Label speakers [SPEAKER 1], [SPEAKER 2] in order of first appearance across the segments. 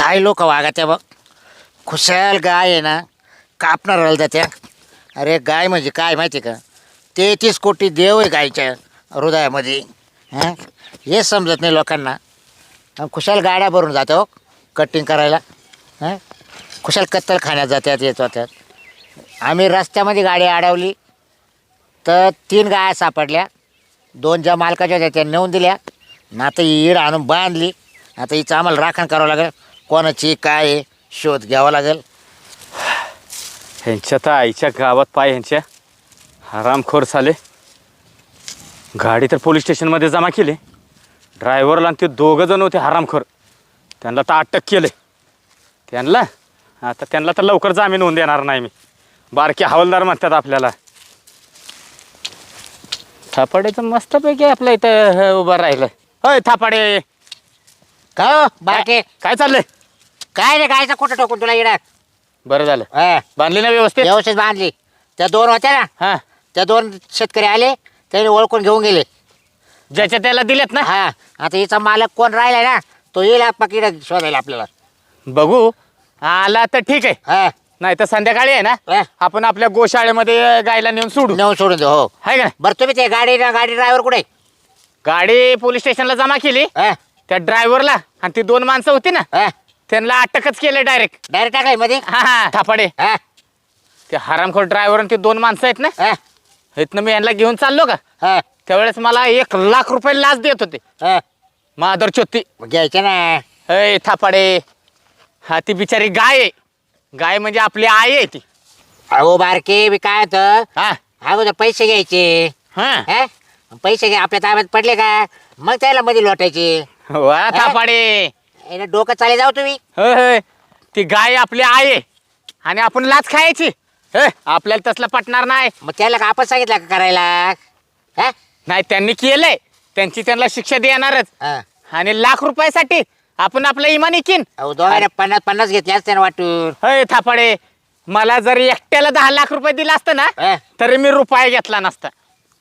[SPEAKER 1] काय लोक वागत्या बघ. खुशाल गाय आहे ना, कापणार राहिल त्या. अरे गाय म्हणजे काय माहिती का, 33 कोटी देव आहे गायच्या हृदयामध्ये. हां, हे समजत नाही लोकांना. खुशाल गाड्या भरून जाते हो कटिंग करायला. हां, खुशाल कत्तल खाण्यात जात्यात येत होत्यात. आम्ही रस्त्यामध्ये गाडी अडवली तर 3 गाया सापडल्या. 2 ज्या मालकाच्या होत्या त्या नेऊन दिल्या. ना आता ही ईड आणून बांधली. आता हिचं आम्हाला राखण करावं लागेल. कोणाची काय आहे शोध घ्यावा लागेल.
[SPEAKER 2] ह्यांच्या तर आईच्या गावात पाय ह्यांच्या हरामखोर झाले. गाडी तर पोलीस स्टेशनमध्ये जमा केली. ड्रायव्हरला आणि ते 2 जण होते हरामखोर, त्यांना तर अटक केले. त्यांना तर लवकर जामीन होऊन देणार नाही मी. बारके हवालदार म्हणतात आपल्याला. थापाडे तर मस्तपैकी आपल्या इथं उभं राहिलं. होय थापाडे,
[SPEAKER 1] काय हो बारके,
[SPEAKER 2] काय चाललंय?
[SPEAKER 1] काय रे गायचा कुठं टोकून तुला इडा?
[SPEAKER 2] बरं झालं
[SPEAKER 1] हां,
[SPEAKER 2] बांधली ना व्यवस्थित?
[SPEAKER 1] व्यवस्थित बांधली. त्या 2 होत्या ना,
[SPEAKER 2] हां,
[SPEAKER 1] त्या 2 शेतकरी आले, त्याने ओळखून घेऊन गेले.
[SPEAKER 2] ज्याच्या त्याला दिलेत ना.
[SPEAKER 1] हा, आता हिचा मालक कोण राहिलाय ना, तो येईल पकीड शोधायला आपल्याला.
[SPEAKER 2] बघू आला तर ठीक आहे,
[SPEAKER 1] हा,
[SPEAKER 2] नाही तर संध्याकाळी आहे ना
[SPEAKER 1] हा.
[SPEAKER 2] आपण आपल्या गोशाळेमध्ये गायला नेऊन सोडू.
[SPEAKER 1] नेऊन सोडून दे. हो,
[SPEAKER 2] आहे का नाही?
[SPEAKER 1] बरं तुम्ही ते गाडी ड्रायव्हर कुठे?
[SPEAKER 2] गाडी पोलीस स्टेशनला जमा केली.
[SPEAKER 1] हा,
[SPEAKER 2] त्या ड्रायव्हरला आणि ती 2 माणसं होती ना,
[SPEAKER 1] हा.
[SPEAKER 2] त्यांना अटकच केलं डायरेक्ट.
[SPEAKER 1] डायरेक्ट टाकाय मध्ये.
[SPEAKER 2] हा थापाडे,
[SPEAKER 1] हा,
[SPEAKER 2] ते हरामखोर ड्रायव्हर आणि ते 2 माणसं आहेत ना,
[SPEAKER 1] हा,
[SPEAKER 2] इथनं मी यांना घेऊन चाललो का,
[SPEAKER 1] हा,
[SPEAKER 2] त्यावेळेस मला 1,00,000 रुपये लाच देत होते.
[SPEAKER 1] हा.
[SPEAKER 2] मादर चोत्ती.
[SPEAKER 1] मग घ्यायचं ना.
[SPEAKER 2] अय थापाडे, हा ती बिचारी गाय आहे. गाय म्हणजे आपली आई आहे ती.
[SPEAKER 1] अहो बारके, मी काय होतं,
[SPEAKER 2] हा
[SPEAKER 1] अगोदर पैसे घ्यायचे.
[SPEAKER 2] हा
[SPEAKER 1] हा, पैसे घ्या आपल्या ताब्यात पडले का, मग त्याला मध्ये लोटायचे.
[SPEAKER 2] वा थापाडे,
[SPEAKER 1] डोकं चाले जाऊ तुम्ही.
[SPEAKER 2] होय होय, ती गाय आपली आई आहे आणि आपण लाच खायची. आपल्याला तसलं पटणार नाही.
[SPEAKER 1] मग त्याला का आपण सांगितलं का करायला? हा?
[SPEAKER 2] नाही, त्यांनी केलंय, त्यांची त्यांना शिक्षा देणारच.
[SPEAKER 1] हा.
[SPEAKER 2] आणि 1,00,000 रुपयासाठी आपण आपलं इमान इकीन.
[SPEAKER 1] अहो दोघांना 50-50 घेतले असते ना वाटून.
[SPEAKER 2] होय थापाडे, मला जर एकट्याला 10,00,000 रुपये दिला असतं ना,
[SPEAKER 1] हा.
[SPEAKER 2] तरी मी रुपया घेतला नसता.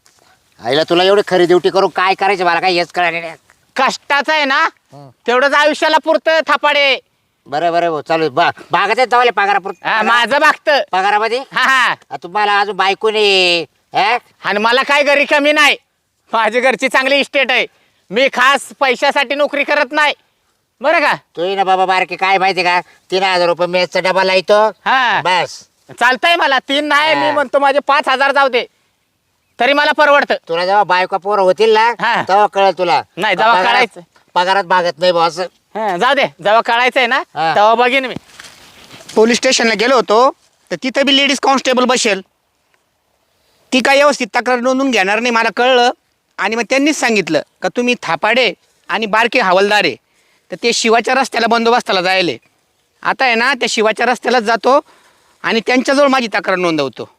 [SPEAKER 1] आईला तुला एवढी खरी ड्युटी करून काय करायचं मला काय हेच कळलं नाही.
[SPEAKER 2] कष्टाचं आहे ना, तेवढंच आयुष्याला पुरतं थापाडे.
[SPEAKER 1] बरं बरं भाऊ, चालू भागात जावले
[SPEAKER 2] हा, माझं भागतं.
[SPEAKER 1] पगारामध्ये.
[SPEAKER 2] हा हा,
[SPEAKER 1] तुम्हाला अजून बायको नाही. हा?
[SPEAKER 2] आणि मला काय घरी कमी नाही. माझी घरची चांगली इस्टेट आहे. मी खास पैशासाठी नोकरी करत नाही, बरं का.
[SPEAKER 1] तू ना बाबा बारके, काय माहिती का, 3,000 रुपये मेसचा डबा लायतो.
[SPEAKER 2] हा
[SPEAKER 1] बस.
[SPEAKER 2] चालतंय मला. 3 नाही, मी
[SPEAKER 1] हा.
[SPEAKER 2] म्हणतो माझे 5,000 जाऊ दे, तरी मला परवडतं.
[SPEAKER 1] तुला जेव्हा बायको पोरं होतील ना,
[SPEAKER 2] हा.
[SPEAKER 1] तेव्हा कळेल तुला.
[SPEAKER 2] नाही, जेव्हा
[SPEAKER 1] पगारात-
[SPEAKER 2] कळायचं.
[SPEAKER 1] पगारात भागत नाही बॉस.
[SPEAKER 2] जाऊ दे, जेव्हा कळायचंय ना
[SPEAKER 1] हा.
[SPEAKER 2] तेव्हा बघीन मी.
[SPEAKER 3] पोलीस स्टेशनला गेलो होतो तर तिथं बी लेडीज कॉन्स्टेबल बसेल. ती काय व्यवस्थित तक्रार नोंदवून घेणार नाही मला कळलं. आणि मग त्यांनीच सांगितलं का तुम्ही थापाडे आणि बारके हवालदार आहे, तर ते शिवाच्या रस्त्याला बंदोबस्ताला जायले. आता आहे ना, त्या शिवाच्या रस्त्यालाच जातो आणि त्यांच्याजवळ माझी तक्रार नोंदवतो.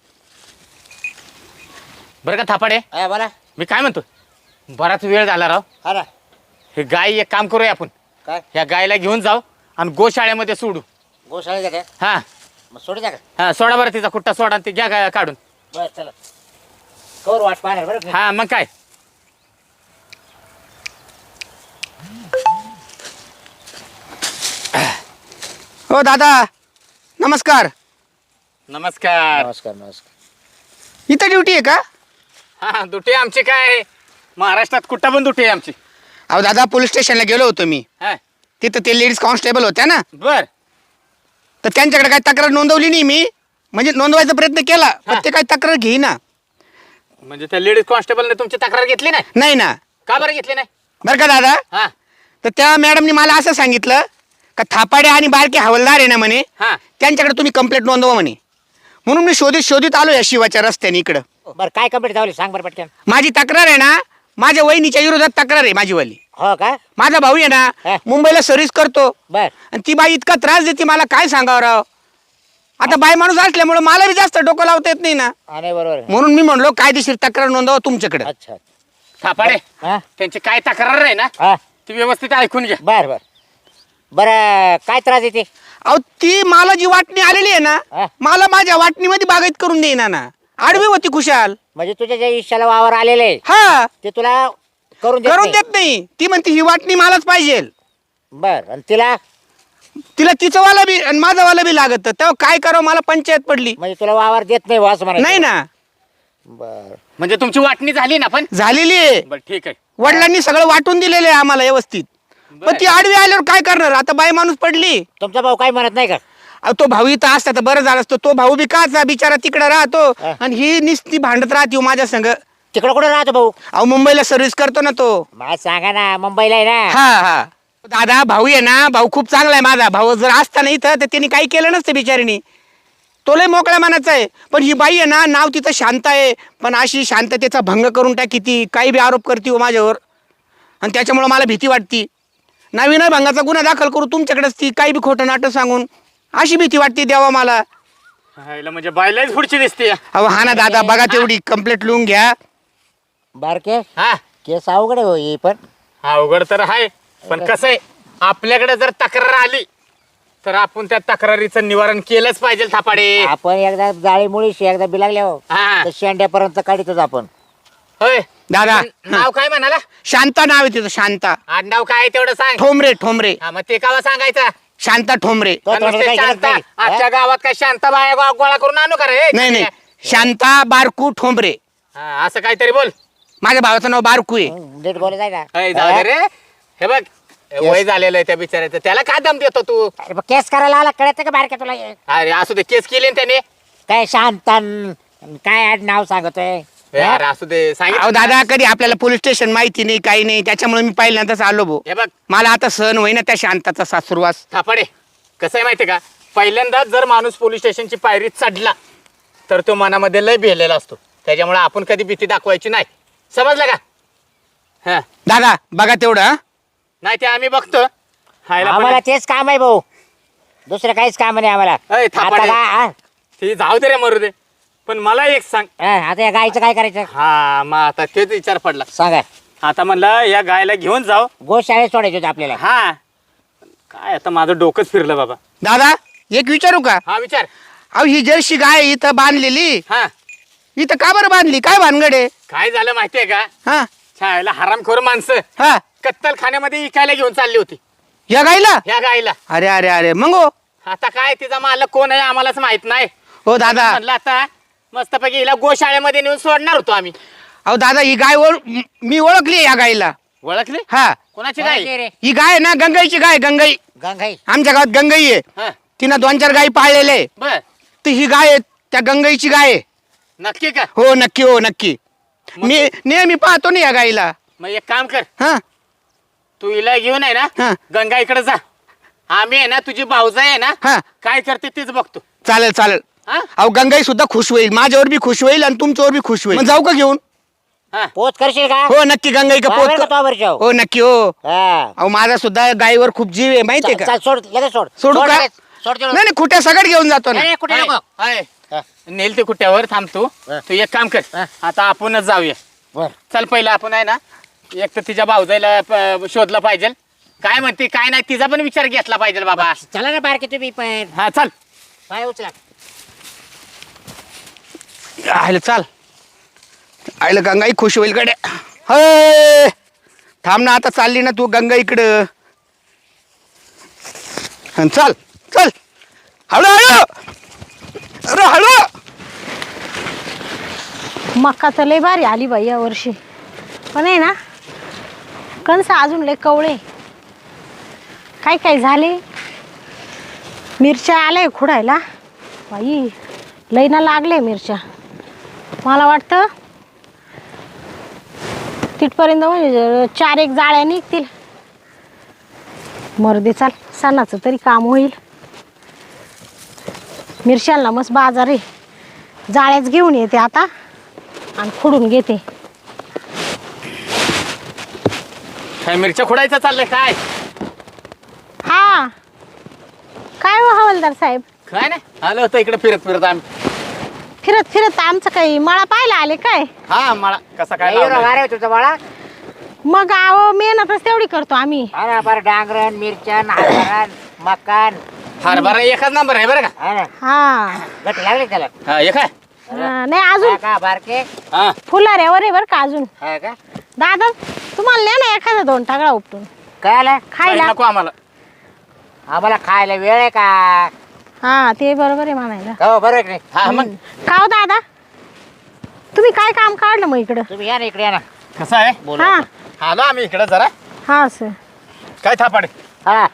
[SPEAKER 2] बरं का थापाडे,
[SPEAKER 1] हा, बोला.
[SPEAKER 2] मी काय म्हणतो, बराच वेळ झाला राव.
[SPEAKER 1] हा ना.
[SPEAKER 2] हे गाय एक काम करूया आपण,
[SPEAKER 1] काय
[SPEAKER 2] ह्या गायला घेऊन जाऊ आणि गोशाळेमध्ये सोडू.
[SPEAKER 1] गोशाळेत का?
[SPEAKER 2] हा
[SPEAKER 1] मग सोडू द्या का?
[SPEAKER 2] हा, सोडा बरं तिचा कुट्टा सोडा आणि ती घ्या गाय काढून.
[SPEAKER 1] बरं चला, कवर वाट पाहणार बरं.
[SPEAKER 2] हा मग काय.
[SPEAKER 3] हो दादा, नमस्कार.
[SPEAKER 2] नमस्कार.
[SPEAKER 1] नमस्कार नमस्कार.
[SPEAKER 3] इथं ड्युटी आहे का?
[SPEAKER 2] हा, दुटे आमची काय महाराष्ट्रात कुठं पण दुटे आमची.
[SPEAKER 3] अहो दादा, पोलीस स्टेशनला गेलो होतो मी.
[SPEAKER 2] हा
[SPEAKER 3] तिथं ते लेडीज कॉन्स्टेबल होत्या ना,
[SPEAKER 2] बर.
[SPEAKER 3] तर त्यांच्याकडे काही तक्रार नोंदवली नाही मी. म्हणजे नोंदवायचा प्रयत्न केला पण ते काही तक्रार घेईना.
[SPEAKER 2] म्हणजे त्या लेडीज कॉन्स्टेबलने तुमची तक्रार घेतली नाही?
[SPEAKER 3] नाही ना.
[SPEAKER 2] का बरं घेतली नाही?
[SPEAKER 3] बरं का दादा,
[SPEAKER 2] हा
[SPEAKER 3] तर त्या मॅडमनी मला असं सांगितलं का थापाडे आणि बारके हवालदार आहे ना म्हणे,
[SPEAKER 2] हा,
[SPEAKER 3] त्यांच्याकडे तुम्ही कंप्लेंट नोंदवा म्हणे. म्हणून मी शोधित शोधित आलो या शिवाच्या रस्त्याने इकडं.
[SPEAKER 1] बरं काय कंप्लीट झाली सांग बरं पटकन.
[SPEAKER 3] माझी तक्रार आहे ना, माझ्या वहिनीच्या विरोधात तक्रार आहे माझीवाली.
[SPEAKER 1] हो का?
[SPEAKER 3] माझा भाऊ आहे
[SPEAKER 1] हा.
[SPEAKER 3] ना, मुंबईला सर्व्हिस करतो
[SPEAKER 1] बर.
[SPEAKER 3] आणि ती बाई इतका त्रास देते मला, काय सांगावं राव. आता बाई माणूस असल्यामुळे मला बी जास्त डोकं लावता येत नाही ना.
[SPEAKER 1] नाही बरोबर आहे.
[SPEAKER 3] म्हणून मी म्हणलो कायदेशीर तक्रार नोंदवा तुमच्याकडे.
[SPEAKER 1] अच्छा.
[SPEAKER 2] थापाडे,
[SPEAKER 1] हा
[SPEAKER 2] त्यांची काय तक्रार आहे ना
[SPEAKER 1] हा,
[SPEAKER 2] ती व्यवस्थित ऐकून घ्या.
[SPEAKER 1] बर बर. बरं काय त्रास येते?
[SPEAKER 3] अहो ती मला जी वाटणी आलेली आहे
[SPEAKER 1] हा.
[SPEAKER 3] ना, मला माझ्या वाटणीमध्ये बागायत करून देईना ना. आडवी होती खुशाल.
[SPEAKER 1] म्हणजे तुझ्या ज्या इशाला वावर आलेले
[SPEAKER 3] हा,
[SPEAKER 1] ते तुला करून
[SPEAKER 3] करून
[SPEAKER 1] देत नाही.
[SPEAKER 3] देत नाही. ती म्हणते ही वाटणी मलाच पाहिजे.
[SPEAKER 1] बर. आणि तिला
[SPEAKER 3] तिला तिचं वाला बी आणि माझं वाला बी लागत तेव्हा काय करावं मला पंचायत पडली.
[SPEAKER 1] म्हणजे तुला वावर देत नाही वास म्हणा.
[SPEAKER 3] नाही ना,
[SPEAKER 1] बर
[SPEAKER 2] म्हणजे तुमची वाटणी झाली ना पण.
[SPEAKER 3] झालेली आहे.
[SPEAKER 2] बरं ठीक आहे.
[SPEAKER 3] वडिलांनी सगळं वाटून दिलेलं आहे आम्हाला व्यवस्थित. पण ती आडवी आल्यावर काय करणार आता, बाई माणूस पडली.
[SPEAKER 1] तुमचा भाऊ काही म्हणत नाही का?
[SPEAKER 3] अहो, तो भाऊ इथं असता तर बरं झालं असतं. तो भाऊ बी काचा बिचारा तिकडे राहतो आणि ही निस्ती भांडत राहते हो माझ्या संग.
[SPEAKER 1] तिकडं कुठे राहतो भाऊ?
[SPEAKER 3] अहो मुंबईला सर्व्हिस करतो ना तो.
[SPEAKER 1] मला सांगा ना, मुंबईला आहे ना.
[SPEAKER 3] हा हा दादा भाऊ आहे ना, भाऊ खूप चांगला आहे माझा भाऊ. जर असता ना इथं तर त्यांनी काही केलं नसतं बिचारीनी. तो लय मोकळ्या मनाचा आहे. पण ही बाई आहे ना, नाव तिथं शांत आहे पण अशी शांततेचा भंग करून टाकी ती. काही बी आरोप करते हो माझ्यावर आणि त्याच्यामुळं मला भीती वाटती. नवीन भंगाचा गुन्हा दाखल करू तुमच्याकडेच ती, काही बी खोटं नाटक सांगून. अशी भीती वाटते देवा मला.
[SPEAKER 2] हायला म्हणजे बायलाच पुढची दिसते.
[SPEAKER 3] अहो हा ना दादा, बघा तेवढी कंप्लेंट लिहून घ्या.
[SPEAKER 1] बारके
[SPEAKER 2] हा
[SPEAKER 1] केस अवघड आहे हो ही पण.
[SPEAKER 2] अवघड तर आहे पण कसं आहे, आपल्याकडे जर तक्रार आली तर आपण त्या तक्रारीचं निवारण केलंच पाहिजे थापाडे.
[SPEAKER 1] आपण एकदा जाळी मुळीशी एकदा बिलागले हो
[SPEAKER 2] हा
[SPEAKER 1] तर शेंड्यापर्यंत काढितच आपण.
[SPEAKER 2] होय
[SPEAKER 3] दादा
[SPEAKER 2] नाव काय म्हणाला?
[SPEAKER 3] शांता नाव आहे तिचं, शांता
[SPEAKER 2] आडनाव काय आहे तेवढं सांग.
[SPEAKER 3] ठोंबरे. ठोंबरे
[SPEAKER 2] हा मग ते कावा सांगायचं.
[SPEAKER 3] शांता ठोंबरे.
[SPEAKER 1] तो
[SPEAKER 2] आणि
[SPEAKER 1] थोडं
[SPEAKER 2] नुसते
[SPEAKER 1] काही
[SPEAKER 2] शांता
[SPEAKER 1] गरज नाही.
[SPEAKER 2] आजच्या गावात काय शांता बाया गोळा करून आणू का रे?
[SPEAKER 3] नाही नाही, शांता बारकू ठोंबरे.
[SPEAKER 2] हा, असं काहीतरी बोल.
[SPEAKER 3] माझ्या भावाचं नाव बारकू आहे.
[SPEAKER 1] नीट बोलत आहे ना.
[SPEAKER 2] अय, जाऊ दे रे. हे बघ वय झालेलं आहे त्या बिचाऱ्याचं, त्याला काय दम देतो तू?
[SPEAKER 1] अरे, मग केस करायला आला कळत का बारके तुला हे?
[SPEAKER 2] अरे असू दे, केस केली ना त्याने.
[SPEAKER 1] काय शांतन काय आड नाव सांगतोय?
[SPEAKER 2] अरे असू दे,
[SPEAKER 3] अहो
[SPEAKER 2] सांगितलं
[SPEAKER 3] दादा, कधी आपल्याला पोलीस स्टेशन माहिती नाही काही नाही, त्याच्यामुळे मी पहिल्यांदाच आलो भाऊ.
[SPEAKER 2] हे बघ
[SPEAKER 3] मला आता सहन होईना त्या शांताचा सासुरवास.
[SPEAKER 2] थापाडे, कसं आहे माहितीये का, पहिल्यांदाच जर माणूस पोलीस स्टेशनची पायरी चढला तर तो मनामध्ये लय भिलेला असतो. त्याच्यामुळे आपण कधी भीती दाखवायची नाही, समजलं का? हा
[SPEAKER 3] दादा बघा तेवढं हा.
[SPEAKER 2] नाही ते आम्ही बघतो. हायला पण-
[SPEAKER 1] आम्हाला तेच काम आहे भाऊ, दुसरं काहीच काम नाही आम्हाला.
[SPEAKER 2] अय, थापाडे.
[SPEAKER 1] आता काय, हा?
[SPEAKER 2] ते जाऊ दे रे, मरू दे. पण मला एक सांग.
[SPEAKER 1] हा, आता या गायचं काय करायचं
[SPEAKER 2] हा मग आता तेच विचार पडला.
[SPEAKER 1] सांगा.
[SPEAKER 2] आता म्हणलं या गायला घेऊन जाऊ.
[SPEAKER 1] गोशाळेत सोडायचं होतं आपल्याला.
[SPEAKER 2] हा काय आता माझं डोकंच फिरलं बाबा.
[SPEAKER 3] दादा एक विचारू का?
[SPEAKER 2] हा विचार.
[SPEAKER 3] अहो ही जर्सी गाय इथं बांधलेली,
[SPEAKER 2] हा
[SPEAKER 3] इथं का बरं बांधली? काय भानगड आहे?
[SPEAKER 2] काय झालं माहितीये का,
[SPEAKER 3] हा
[SPEAKER 2] छायला हरामखोर माणसं
[SPEAKER 3] हा
[SPEAKER 2] कत्तल खाण्यामध्ये विकायला घेऊन चालली होती
[SPEAKER 3] या गायला?
[SPEAKER 2] ह्या गायला.
[SPEAKER 3] अरे अरे अरे मग हो.
[SPEAKER 2] आता काय तिचा मालक कोण आहे आम्हालाच माहित नाही.
[SPEAKER 3] हो दादा,
[SPEAKER 2] म्हणलं आता मस्तपैकी हिला गोशाळेमध्ये नेऊन सोडणार होतो आम्ही.
[SPEAKER 3] अहो दादा ही गाय मी ओळखली या गायला.
[SPEAKER 2] ओळखली?
[SPEAKER 3] हा
[SPEAKER 2] कोणाची
[SPEAKER 1] कोणाची
[SPEAKER 2] गाय?
[SPEAKER 1] रे?
[SPEAKER 3] ही गाय आहे ना, गंगाईची गाय. गंगाई
[SPEAKER 1] गंगाई.
[SPEAKER 3] आमच्या गावात गंगाई आहे.
[SPEAKER 2] हा
[SPEAKER 3] तिनं 2-4 गायी पाळलेले.
[SPEAKER 2] बर,
[SPEAKER 3] तर ही गाय आहे त्या गंगाईची गाय आहे.
[SPEAKER 2] नक्की का?
[SPEAKER 3] हो नक्की, हो नक्की. मी नेहमी पाहतो ना या गायीला.
[SPEAKER 2] मग एक काम कर,
[SPEAKER 3] हा
[SPEAKER 2] तू हिला घेऊन आहे
[SPEAKER 3] हा.
[SPEAKER 2] ना गंगा इकडे जा. आम्ही आहे ना, तुझी भाऊजाई आहे ना,
[SPEAKER 3] हा
[SPEAKER 2] काय करते तेच बघतो.
[SPEAKER 3] चालेल चालेल.
[SPEAKER 2] हा
[SPEAKER 3] अहो गंगाई सुद्धा खुश होईल, माझ्यावर बी खुश होईल आणि तुमच्यावर बी खुश होईल. मग जाऊ का घेऊन?
[SPEAKER 2] हा
[SPEAKER 1] पोच करशील का?
[SPEAKER 3] हो नक्की, गंगाई का
[SPEAKER 1] बरोबर का
[SPEAKER 3] पोत.
[SPEAKER 1] तो वरच्यावर?
[SPEAKER 3] हो नक्की हो.
[SPEAKER 1] हा.
[SPEAKER 3] अहो माझा सुद्धा गायीवर खूप जीव आहे माहितीये
[SPEAKER 1] चल,
[SPEAKER 3] का?
[SPEAKER 1] चल, सोड लगेच सोड.
[SPEAKER 3] सोडू
[SPEAKER 1] सोड
[SPEAKER 3] का?
[SPEAKER 1] लगेच. सोड तिकडं.
[SPEAKER 3] नाही नाही, खुट्या सगळं घेऊन जातो ना.
[SPEAKER 1] नाही, नाही, कुठे नको.
[SPEAKER 2] हाय.
[SPEAKER 1] हा.
[SPEAKER 2] नेल ते कुठ्यावर थांब तू.
[SPEAKER 1] हा.
[SPEAKER 2] तू एक काम कर,
[SPEAKER 1] हा.
[SPEAKER 2] आता आपणच जाऊया.
[SPEAKER 1] बर.
[SPEAKER 2] चल पहिलं आपण आहे ना, एक तर तिच्या भाऊजाईला शोधलं पाहिजे. काय म्हणते काय नाही तिचा पण विचार घेतला पाहिजे बाबा.
[SPEAKER 1] चला ना बारके तुम्ही पण.
[SPEAKER 2] हा चल.
[SPEAKER 1] पाय उचला.
[SPEAKER 3] आयलं चाल. आयलं गंगाई खुश होईल कडे. हय थांब ना, आता चालली ना तू गंगा इकडं. हं, चल चल हळू हळू. अरे हळू.
[SPEAKER 4] मक्का तर लय भारी आली बाई या वर्षी, पण आहे ना कणस अजून लय कवळे. काय काय झाले, मिरच्या आल्या खुडायला बाई, लय ना लागले मिरच्या. मला वाटतं तिथपर्यंत म्हणजे 4-1 जाळ्या निघतील. मर्दे, चाल सणाचं तरी काम होईल. मिरशांना मस्त बाजार आहे, जाळ्याच घेऊन येते आता आणि खुडून घेते.
[SPEAKER 2] काय मिरच्या खोडायचं चाललंय काय?
[SPEAKER 4] हा काय हो हवालदार साहेब,
[SPEAKER 2] काय नाही, आलो होतो इकडे फिरत फिरत आम्ही.
[SPEAKER 4] फिरत फिरत आमचं काही मळा पाहायला आले काय?
[SPEAKER 2] हा मला कसा काय
[SPEAKER 1] नाही एवढं
[SPEAKER 2] लावलाय?
[SPEAKER 1] वारे हो तुमचा बाळा.
[SPEAKER 4] मग आहो मेहनतच तेवढी करतो आम्ही.
[SPEAKER 1] हा ना, बरं डांगरण मिरचण हरभरण मकान.
[SPEAKER 2] हरभरा एकच नंबर आहे बरं का.
[SPEAKER 1] हा ना,
[SPEAKER 4] हा
[SPEAKER 1] गट लागले त्याला.
[SPEAKER 2] हा एक आहे.
[SPEAKER 4] नाही अजून
[SPEAKER 1] हा का बारके?
[SPEAKER 2] हा
[SPEAKER 4] फुलाऱ्यावर आहे बरं का अजून.
[SPEAKER 1] हा का?
[SPEAKER 4] दादा तुम्हाला नाही ना एखादा 2 टाकळा उपटून
[SPEAKER 1] काय आला?
[SPEAKER 4] खायला?
[SPEAKER 2] नको आम्हाला.
[SPEAKER 1] आम्हाला खायला वेळ आहे का?
[SPEAKER 4] हा ते बरोबर आहे म्हणायला.
[SPEAKER 1] हो बरोबर आहे की नाही?
[SPEAKER 2] हा मग
[SPEAKER 4] का हो दादा, तुम्ही काय काम काढलं मग इकडं?
[SPEAKER 1] तुम्ही या ना इकडे या ना.
[SPEAKER 2] कसं आहे
[SPEAKER 1] बोलू
[SPEAKER 4] हा
[SPEAKER 1] आपण.
[SPEAKER 2] आलो आम्ही इकडे जरा.
[SPEAKER 4] हा सर.
[SPEAKER 2] काय थापाडे
[SPEAKER 1] हा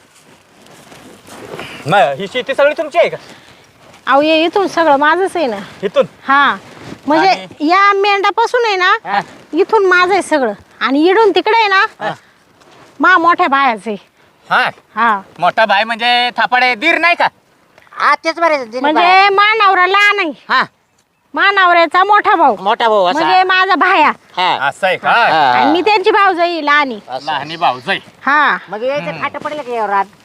[SPEAKER 2] मग ही शेती सगळी तुमची आहे का?
[SPEAKER 4] अहो ये इथून सगळं माझंच आहे ना.
[SPEAKER 2] इथून
[SPEAKER 4] हा म्हणजे या मेंढापासून आहे ना
[SPEAKER 1] हा.
[SPEAKER 4] इथून माझं आहे सगळं, आणि इडून तिकडे आहे ना मा मोठ्या बायाचे.
[SPEAKER 2] हा
[SPEAKER 4] हा
[SPEAKER 2] मोठा भाई म्हणजे थापाडे दीर नाही का?
[SPEAKER 1] हा तेच बरे दिलीप बाई.
[SPEAKER 4] म्हणजे मा नवरा लहान आहे,
[SPEAKER 1] हा
[SPEAKER 4] मा नवऱ्याचा मोठा भाऊ
[SPEAKER 1] मोठा भाऊ असा.
[SPEAKER 4] म्हणजे माझा भाया,
[SPEAKER 1] हा
[SPEAKER 2] असं आहे का?
[SPEAKER 1] हा.
[SPEAKER 4] आणि मी त्यांची भाऊजाई लहानी.
[SPEAKER 1] असं.
[SPEAKER 2] लहानी भाऊ जाई.
[SPEAKER 4] हा
[SPEAKER 1] म्हणजे यायचं खाट पडलं की यावर रात.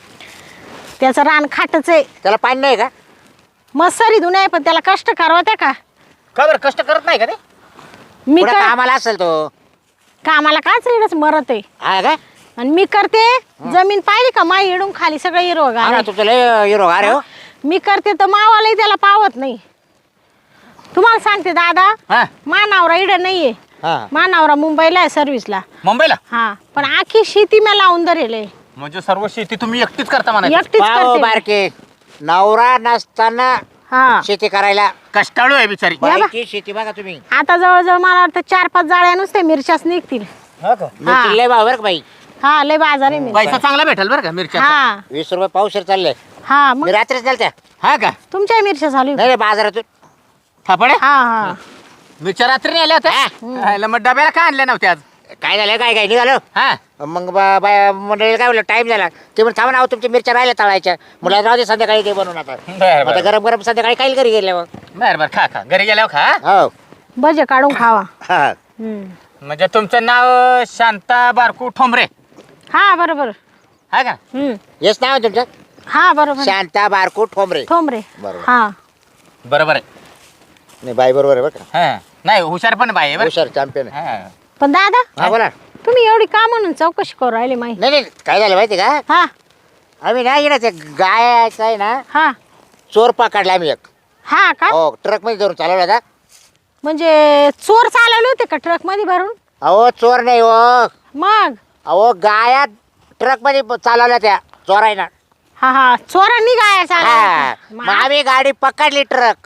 [SPEAKER 4] त्याचं रान खाटच आहे,
[SPEAKER 1] त्याला पाणी नाही का?
[SPEAKER 4] मस्सरी धुणे आहे, पण त्याला कष्ट करवत्या का?
[SPEAKER 2] का बरं कष्ट करत नाही का ते?
[SPEAKER 4] मी
[SPEAKER 1] पुढं
[SPEAKER 4] कर
[SPEAKER 1] कामाला असेल तो.
[SPEAKER 4] कामाला काच रेडच मरत आहे,
[SPEAKER 1] हा का?
[SPEAKER 4] आणि मी करते. जमीन पाहिली का माई इडून खाली सगळं हिरवं
[SPEAKER 1] हा ना,
[SPEAKER 4] गार.
[SPEAKER 1] तुमचं लय हिरो अरे हो.
[SPEAKER 4] मी करते तर मावालाही त्याला पावत नाही. तुम्हाला सांगते दादा,
[SPEAKER 2] हा
[SPEAKER 4] मा नवरा इड नाहीये,
[SPEAKER 1] हा
[SPEAKER 4] मा नवरा मुंबईला आहे सर्व्हिसला.
[SPEAKER 2] मुंबईला
[SPEAKER 4] हा पण आखी शेती मी लावून धरेल,
[SPEAKER 2] म्हणजे सर्व शेती तुम्ही एकटीच करता म्हणायचं?
[SPEAKER 4] एकटीच
[SPEAKER 1] पाव
[SPEAKER 4] करते.
[SPEAKER 1] बारके नवरा नसताना
[SPEAKER 4] हा
[SPEAKER 1] शेती करायला.
[SPEAKER 2] कष्टाळू आहे बिचारी.
[SPEAKER 4] या बा.
[SPEAKER 1] बाईची शेती बघा तुम्ही.
[SPEAKER 4] आता जवळजवळ मला वाटतं 4-5 जाळ्या नुसते मिरच्याच निघतील.
[SPEAKER 2] हा का?
[SPEAKER 1] मिरची लय भाव बरं का बाई.
[SPEAKER 4] हा लय बाजार आहे मिरच्या.
[SPEAKER 2] पैसा चांगला भेटेल बरं का मिरच्या?
[SPEAKER 4] हा
[SPEAKER 1] 20 रुपये पावशेर चालले.
[SPEAKER 4] हा मग
[SPEAKER 1] मी रात्रीच गेलत्या.
[SPEAKER 2] हा का?
[SPEAKER 4] तुमच्या मिरच्या चालू आहे?
[SPEAKER 1] नाही रे बाजारातून.
[SPEAKER 2] थापाडे
[SPEAKER 4] हा हा
[SPEAKER 2] मिरच्या रात्री नाही आल्या होत्या? आयला मग डब्याला का आणल्या नव्हत्या आज?
[SPEAKER 1] काय झालं काय निघालो.
[SPEAKER 2] हा
[SPEAKER 1] मग मंडळीला काय बोललं टाइम झाला. ते म्हणून थांबा ना, तुमच्या मिरच्या राहिल्या तळायच्या. मला राहू दे संध्याकाळी ते बनवून आता.
[SPEAKER 2] बरं
[SPEAKER 1] आता
[SPEAKER 2] बरं
[SPEAKER 1] गरम गरम संध्याकाळी काही घरी गेले मग.
[SPEAKER 2] बरं बरं खा खा घरी गेल्यावर खा.
[SPEAKER 1] हो
[SPEAKER 4] भजे काढून खावा.
[SPEAKER 1] हा
[SPEAKER 2] म्हणजे तुमचं नाव शांता बारकू ठोंबरे
[SPEAKER 4] हा बरोबर.
[SPEAKER 2] हा का?
[SPEAKER 1] हेच नाव आहे तुमचं?
[SPEAKER 4] हा बरोबर.
[SPEAKER 1] शांता बारकू ठोंबरे.
[SPEAKER 4] ठोंबरे.
[SPEAKER 1] बरोबर.
[SPEAKER 4] हा
[SPEAKER 2] बरोबर आहे.
[SPEAKER 1] नाही बाई बरोबर आहे बरं का.
[SPEAKER 2] हा नाही हुशार पण बाई आहे बरं.
[SPEAKER 1] हुशार चॅम्पियन आहे.
[SPEAKER 2] हा.
[SPEAKER 4] पण दादा,
[SPEAKER 1] हा बोला.
[SPEAKER 4] तुम्ही एवढी का म्हणून चौकशी करू राहिले माहिती?
[SPEAKER 1] नाही नाही काय झालं माहिती का?
[SPEAKER 4] हा
[SPEAKER 1] आम्ही ना इकडे ते गायचं आहे ना,
[SPEAKER 4] हा
[SPEAKER 1] चोर पकडला आम्ही एक.
[SPEAKER 4] हा का?
[SPEAKER 1] हो ट्रक मध्ये धरून चालवला होता.
[SPEAKER 4] म्हणजे चोर चालवले होते का ट्रक मध्ये भरून?
[SPEAKER 1] अहो चोर नाही हो.
[SPEAKER 4] मग
[SPEAKER 1] अहो गाया ट्रक मध्ये चालवल्या त्या चोरायना.
[SPEAKER 4] हा हा चोरांनी गाया
[SPEAKER 1] हा
[SPEAKER 4] चालवल्या
[SPEAKER 1] मग
[SPEAKER 4] होत्या.
[SPEAKER 1] आम्ही गाडी पकडली ट्रक.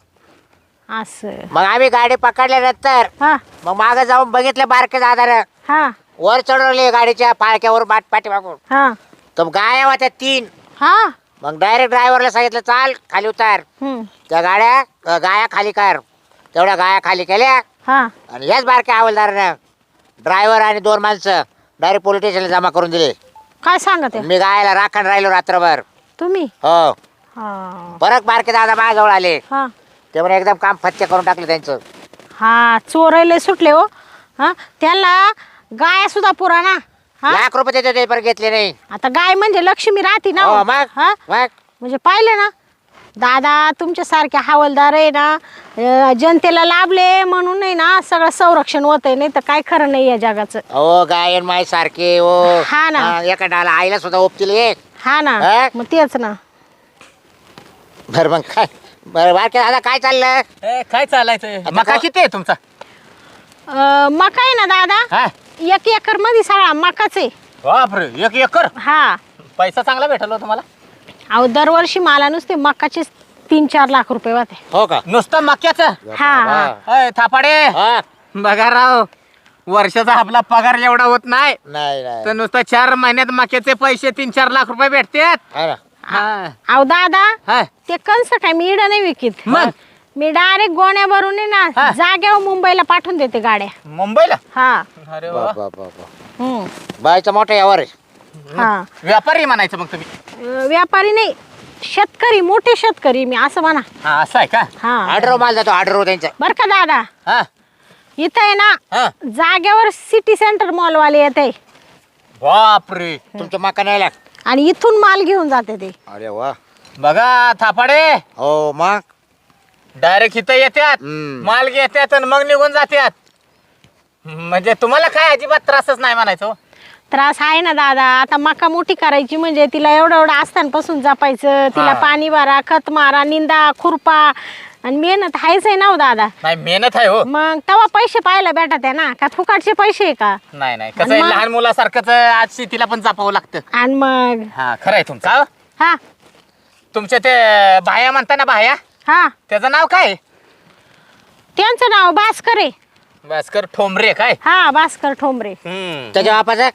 [SPEAKER 4] असं.
[SPEAKER 1] मग आम्ही गाडी पकडल्यानंतर
[SPEAKER 4] हा
[SPEAKER 1] मग मागे जाऊन बघितलं बारके दादा
[SPEAKER 4] हा
[SPEAKER 1] वर चढवले गाडीच्या पाळक्यावर पाठी मागून.
[SPEAKER 4] हा
[SPEAKER 1] तर गाया होत्या 3.
[SPEAKER 4] हा
[SPEAKER 1] मग डायरेक्ट ड्रायव्हरला सांगितलं चाल खाली उतार. त्या गाड्या गाया खाली कर. तेवढ्या गाया खाली केल्या
[SPEAKER 4] हा
[SPEAKER 1] आणि याच बारक्या हवालदारानं ड्रायव्हर आणि 2 माणसं डायरेक्ट पोलीस स्टेशनला जमा करून दिले.
[SPEAKER 4] काय सांगत आहे
[SPEAKER 1] मी गायला राखण राहिलो रात्रभर.
[SPEAKER 4] तुम्ही?
[SPEAKER 1] हो
[SPEAKER 4] हा
[SPEAKER 1] परत बारके दादा माझ्याजवळ आले.
[SPEAKER 4] हा
[SPEAKER 1] ते म्हणे एकदम काम फत्ते करून टाकलं त्यांचं.
[SPEAKER 4] हा चोरायला सुटले हो. हा त्याला गाय सुद्धा पुराणा. हा
[SPEAKER 1] ₹1,00,000 देतो ते पण घेतले नाही.
[SPEAKER 4] आता गाय म्हणजे लक्ष्मी राहते ना
[SPEAKER 1] हो
[SPEAKER 4] हो.
[SPEAKER 1] मग
[SPEAKER 4] हा
[SPEAKER 1] मग
[SPEAKER 4] म्हणजे पाहिलं ना दादा, तुमच्या सारखे हवालदार आहे ना जनतेला लाभले म्हणून नाही ना सगळं संरक्षण होत आहे, नाही तर काय खरं नाही या जगाचं.
[SPEAKER 1] हो गायन माय सारखे हो.
[SPEAKER 4] हा ना.
[SPEAKER 1] एका डाला आईला सुद्धा ओपतील एक.
[SPEAKER 4] हा ना
[SPEAKER 1] हा?
[SPEAKER 4] मग तेच ना.
[SPEAKER 1] बरं मग काय बरं बारके दादा काय चाललं?
[SPEAKER 2] ए, काय चालायचं
[SPEAKER 1] आता
[SPEAKER 2] मका
[SPEAKER 1] का-
[SPEAKER 2] किती आहे तुमचा?
[SPEAKER 4] मका आहे ना दादा,
[SPEAKER 2] हा
[SPEAKER 4] 1 एकर मध्ये सगळा मकाच आहे.
[SPEAKER 2] बापरे 1 एकर.
[SPEAKER 4] हा
[SPEAKER 2] पैसा चांगला भेटला हो तुम्हाला?
[SPEAKER 4] अहो दरवर्षी मला नुसते मकाचे 3-4 लाख रुपये होते.
[SPEAKER 1] हो का?
[SPEAKER 2] नुसतं मक्याचं?
[SPEAKER 4] हा हा
[SPEAKER 2] अय, थापाडे
[SPEAKER 1] हा.
[SPEAKER 2] बघा राव वर्षाचा आपला पगार एवढा होत नाही
[SPEAKER 1] नाही नाही
[SPEAKER 2] तर नुसतं 4 महिन्यात मक्याचे पैसे 3-4 लाख रुपये भेटतात.
[SPEAKER 1] हा ना.
[SPEAKER 2] हा.
[SPEAKER 4] अहो दादा,
[SPEAKER 2] हा.
[SPEAKER 4] ते कंस काय मी इडं नाही विकित.
[SPEAKER 2] मग?
[SPEAKER 4] मी डायरेक्ट गोण्या भरून आहे
[SPEAKER 2] हा.
[SPEAKER 4] ना जाग्यावर मुंबईला पाठवून देते गाड्या.
[SPEAKER 2] मुंबईला?
[SPEAKER 4] हा
[SPEAKER 2] अरे
[SPEAKER 1] बा,
[SPEAKER 2] वा.
[SPEAKER 1] बा, बा, बा.
[SPEAKER 4] हम्म.
[SPEAKER 1] बाईचा मोठा यावर आहे.
[SPEAKER 4] हा
[SPEAKER 2] व्यापारी म्हणायचं मग तुम्ही?
[SPEAKER 4] व्यापारी नाही, शेतकरी, मोठे शेतकरी मी असं म्हणा.
[SPEAKER 2] हा असं आहे का?
[SPEAKER 4] हा
[SPEAKER 1] ऑर्डर माल जातो ऑर्डर त्यांचा.
[SPEAKER 4] बर का दादा,
[SPEAKER 2] हा
[SPEAKER 4] इथं आहे ना
[SPEAKER 2] हा.
[SPEAKER 4] जाग्यावर सिटी सेंटर मॉलवाले येते
[SPEAKER 2] बापरे
[SPEAKER 1] तुमचं मका नाही लाग.
[SPEAKER 4] आणि इथून माल घेऊन जाते ते.
[SPEAKER 1] अरे वा.
[SPEAKER 2] बघा थापाडे
[SPEAKER 1] हो मग
[SPEAKER 2] डायरेक्ट इथं येतात
[SPEAKER 1] हम्म.
[SPEAKER 2] माल घेतात आणि मग निघून जातात. म्हणजे तुम्हाला काय अजिबात त्रासच नाही म्हणायचं हो?
[SPEAKER 4] त्रास आहे ना दादा. आता मका मोठी करायची म्हणजे तिला एवढं एवढं आस्थानपासून जपायचं, तिला
[SPEAKER 2] हा.
[SPEAKER 4] पाणी भरा, खत मारा, निंदा, खुरपा, आणि मेहनत आहेच आहे ना हो दादा.
[SPEAKER 2] नाही मेहनत आहे हो.
[SPEAKER 4] मग तेव्हा पैसे पाहायला भेटत आहे ना, का फुकाटचे पैसे आहे का?
[SPEAKER 2] नाही नाही कसं आहे
[SPEAKER 4] मग?
[SPEAKER 2] लहान मुलासारखंच आज शेतीला पण जपावं लागतं.
[SPEAKER 4] आणि मग
[SPEAKER 2] हा खरं आहे तुमचं.
[SPEAKER 4] हा
[SPEAKER 3] तुमच्या ते भाया म्हणता ना भाया,
[SPEAKER 4] हा
[SPEAKER 3] त्याचं नाव काय?
[SPEAKER 4] त्यांचं नाव भास्कर आहे.
[SPEAKER 3] भास्कर ठोंबरे काय?
[SPEAKER 4] हा भास्कर ठोंबरे.
[SPEAKER 1] त्याच्या बापाचं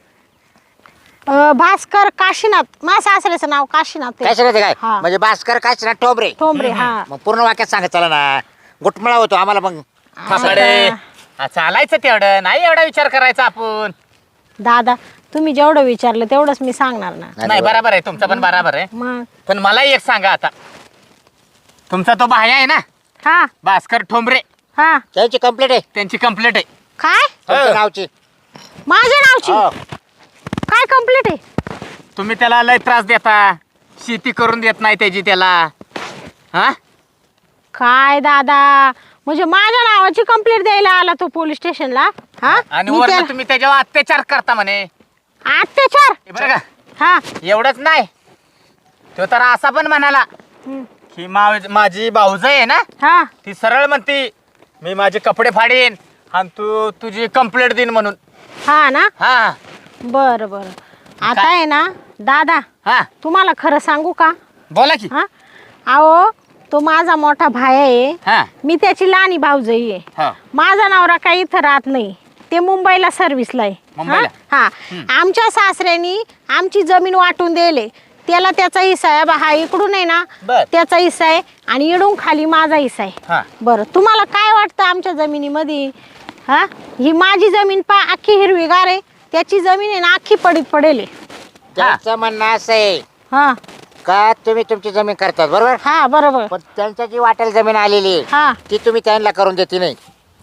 [SPEAKER 4] भास्कर काशीनाथ, माझ्या सासऱ्याचं नाव काशीनाथ आहे.
[SPEAKER 1] काय सांगते काय
[SPEAKER 4] हा.
[SPEAKER 1] म्हणजे भास्कर काय ना टोबरे.
[SPEAKER 4] ठोंबरे हा.
[SPEAKER 1] मग पूर्ण वाक्यात सांगत चला ना, गुटमळा होतो आम्हाला मग.
[SPEAKER 3] थापाडे चालायचं तेवढं नाही, एवढा विचार करायचा आपण.
[SPEAKER 4] दादा तुम्ही जेवढं विचारलं तेवढंच मी सांगणार ना.
[SPEAKER 3] नाही बरोबर आहे, तुमचं पण बरोबर आहे.
[SPEAKER 4] मग
[SPEAKER 3] पण मला एक सांगा आता, तुमचा तो भाया आहे ना
[SPEAKER 4] हा
[SPEAKER 3] भास्कर ठोंबरे,
[SPEAKER 4] हा
[SPEAKER 1] त्याची कंप्लेंट आहे
[SPEAKER 3] त्यांची कंप्लेंट आहे.
[SPEAKER 4] काय
[SPEAKER 1] तुमच्या नावची.
[SPEAKER 4] माझ्या नावची
[SPEAKER 1] हो.
[SPEAKER 4] काय कंप्लीट आहे?
[SPEAKER 3] तुम्ही त्याला लय त्रास देता, शेती करून देत नाही त्याची त्याला. हा
[SPEAKER 4] काय दादा, म्हणजे माझ्या नावाची कंप्लेंट द्यायला आला तो पोलीस स्टेशनला? हा
[SPEAKER 3] आणि
[SPEAKER 4] मी
[SPEAKER 3] वरनं
[SPEAKER 4] त्या-
[SPEAKER 3] तुम्ही त्याच्यावर अत्याचार करता म्हणे.
[SPEAKER 4] अत्याचार?
[SPEAKER 3] हे बरं का,
[SPEAKER 4] हा
[SPEAKER 3] एवढंच नाही, तो तर असा पण म्हणाला
[SPEAKER 4] हम्म.
[SPEAKER 3] की माझी भाऊज आहे ना,
[SPEAKER 4] हा
[SPEAKER 3] ती सरळ म्हणती मी माझे कपडे फाडीन आणि तू तुझी कंप्लेंट देईन म्हणून.
[SPEAKER 4] हा ना,
[SPEAKER 3] हा
[SPEAKER 4] बरं बरं. आता आहे ना दादा,
[SPEAKER 3] हा
[SPEAKER 4] तुम्हाला खरं सांगू का?
[SPEAKER 3] बोला की.
[SPEAKER 4] हा अहो तो माझा मोठा भाई आहे,
[SPEAKER 3] हा
[SPEAKER 4] मी त्याची लहानी भाऊजाई आहे.
[SPEAKER 3] हा
[SPEAKER 4] माझा नवरा काही इथं राहत नाही, ते मुंबईला सर्व्हिसला आहे.
[SPEAKER 3] मुंबईला?
[SPEAKER 4] हा आमच्या सासऱ्यांनी आमची जमीन वाटून दिले, त्याला त्याचा हिस्सा आहे. हा इकडून आहे ना
[SPEAKER 3] बर.
[SPEAKER 4] त्याचा हिस्सा आहे आणि इडून खाली माझा हिस्सा आहे.
[SPEAKER 3] हा
[SPEAKER 4] बरं तुम्हाला काय वाटतं आमच्या जमिनीमध्ये? हा ही माझी जमीन पा अख्खी हिरवीगार आहे, त्याची जमीन आहे ना अख्खी पडीत पडेल आहे.
[SPEAKER 1] त्यांचं म्हणणं असं आहे
[SPEAKER 4] हा
[SPEAKER 1] का तुम्ही तुमची जमीन करतात बरोबर,
[SPEAKER 4] हा बरोबर.
[SPEAKER 1] पण त्यांच्या जी वाटेल जमीन आलेली आहे
[SPEAKER 4] हा
[SPEAKER 1] ती तुम्ही त्यांना करून देते नाही.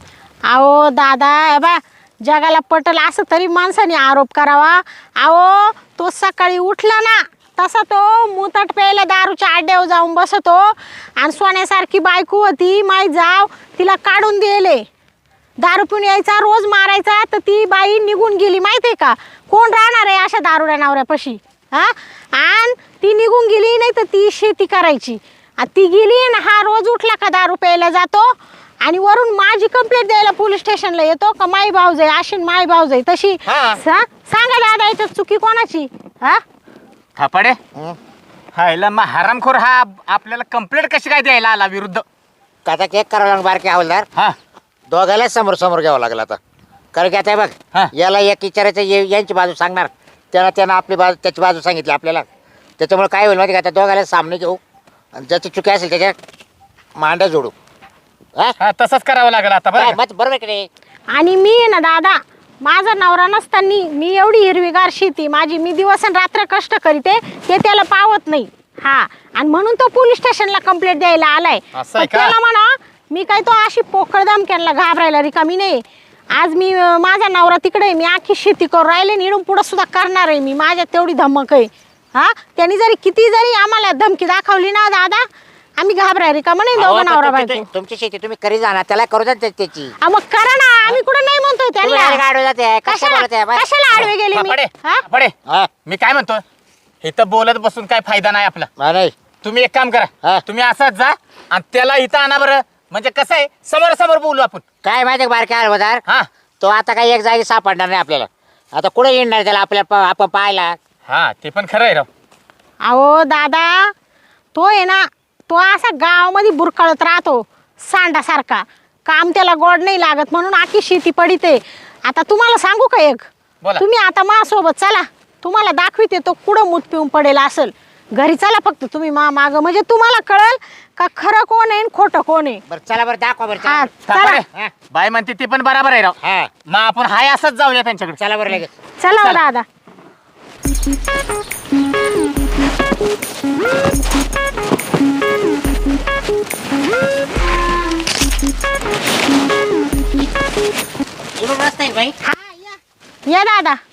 [SPEAKER 4] अहो दादा हे बा, जगाला पटल असं तरी माणसाने आरोप करावा. अहो तो सकाळी उठला ना तसा तो मुताट प्यायला दारूच्या आड्यावर जाऊन बसतो आणि सोन्यासारखी बायको होती माई जाव, तिला काढून दिले. दारू पिऊन यायचा, रोज मारायचा, तर ती बाई निघून गेली माहिती आहे का? कोण राहणार आहे अशा दारुड्या नवऱ्यापाशी? हा आणि ती निघून गेली, नाही तर ती शेती करायची. ती गेली ना, हा रोज उठला का दारू प्यायला जातो आणि वरून माझी कंप्लेंट द्यायला पोलीस स्टेशनला येतो का माई भाऊजाई अशी माई भाऊजाई तशी.
[SPEAKER 3] हा.
[SPEAKER 4] सांगा दादा याच्यात चुकी कोणाची? हा
[SPEAKER 3] थापाडे
[SPEAKER 1] हं?
[SPEAKER 3] हायला मग हरामखोर हा आपल्याला कंप्लेंट कशी काय द्यायला आला विरुद्ध?
[SPEAKER 1] आता केक करावं लागणार बारके हवालदार,
[SPEAKER 3] हा
[SPEAKER 1] दोघायला समोर समोर घ्यावं लागलं आता. कारण की आता हे
[SPEAKER 3] हा.
[SPEAKER 1] बघ, याला एक विचारायचं यांची बाजू सांगणार, त्यानं आपली बाजू त्याची बाजू सांगितली आपल्याला. त्याच्यामुळे काय होईल माहिती का, आता दोघायला सामने घेऊ आणि ज्याची चुकी असेल त्याच्या मांड्या जोडू. हा?
[SPEAKER 3] हा तसंच करावं लागलं आता
[SPEAKER 1] काय
[SPEAKER 3] बरं का?
[SPEAKER 1] मत बरोबर की नाही?
[SPEAKER 4] आणि मी आहे ना दादा, माझा नवरा नसताना मी एवढी हिरवीगार शेती माझी, मी दिवस आणि रात्र कष्ट करीते, ते त्याला पावत नाही. हा आणि म्हणून तो पोलीस स्टेशनला कंप्लेंट द्यायला आलाय.
[SPEAKER 3] असं आहे
[SPEAKER 4] पण
[SPEAKER 3] का?
[SPEAKER 4] त्याला म्हणा मी काय तो अशी पोकळ धमक्यांना घाबरायला रिकामी नाही. आज मी माझा नवरा तिकडे आहे, मी आखी शेती करून राहिले, निडून पुढं सुद्धा करणार आहे मी, माझ्यात तेवढी धमक आहे. हा त्यांनी जरी किती जरी आम्हाला धमकी दाखवली ना दादा, आम्ही घाबराय रिकामा नाही
[SPEAKER 1] अहो,
[SPEAKER 4] दोघं
[SPEAKER 1] पण
[SPEAKER 4] नवरा
[SPEAKER 1] तुमची
[SPEAKER 4] बायको.
[SPEAKER 1] तुमची शेती तुम्ही करी जाणार, त्याला करू द्या त्याची.
[SPEAKER 4] मग करा ना, आम्ही कुठं नाही म्हणतोय
[SPEAKER 1] तुम्ही direct
[SPEAKER 4] त्यांना.
[SPEAKER 1] आडवे जाते, कशा बोलत आहे? बस.
[SPEAKER 4] कशाला आडवे गेली मी?
[SPEAKER 3] थापाडे
[SPEAKER 4] हा?
[SPEAKER 3] थापाडे
[SPEAKER 1] हा,
[SPEAKER 3] मी काय म्हणतो, इथं बोलत बसून काय फायदा नाही आपला.
[SPEAKER 1] हा, नाही
[SPEAKER 3] तुम्ही एक काम करा,
[SPEAKER 1] हा.
[SPEAKER 3] तुम्ही असंच जा आणि त्याला इथं आणा बरं. म्हणजे कसं आहे, समोर समोर बोलू आपण.
[SPEAKER 1] काय माहिती बारके हवालदार,
[SPEAKER 3] हा
[SPEAKER 1] तो आता काही एक जागी सापडणार नाही आपल्याला. आता कुठे येणार त्याला आपल्याला आपण पाहायला?
[SPEAKER 3] हा ते पण खरं आहे राव.
[SPEAKER 4] अहो दादा, तो आहे ना, तो असा गावामध्ये बुरकळत राहतो सांडासारखा, काम त्याला गोड नाही लागत म्हणून आखी शेती पडिते. आता तुम्हाला सांगू का एक,
[SPEAKER 3] बोला.
[SPEAKER 4] तुम्ही आता माझ्यासोबत चला, तुम्हाला दाखविते तो कुठं मूत पिऊन पडेल असेल. घरी चला फक्त तुम्ही माग, म्हणजे तुम्हाला कळेल का खरं कोण आहे आणि खोटं कोण आहे.
[SPEAKER 1] बरं चला बरं, दाखवा बरं.
[SPEAKER 4] हा
[SPEAKER 1] चला.
[SPEAKER 3] थापाडे
[SPEAKER 4] चला,
[SPEAKER 1] हा.
[SPEAKER 3] बाय म्हणते ते पण बरोबर आहे राव.
[SPEAKER 1] हा,
[SPEAKER 3] मग आपण हाय असंच जाऊया त्यांच्याकडे.
[SPEAKER 1] चला बरं लगेच.
[SPEAKER 4] चला हो
[SPEAKER 3] चला.
[SPEAKER 4] दादा.
[SPEAKER 1] इकडून रस्ता आहे बाई.
[SPEAKER 4] या दादा.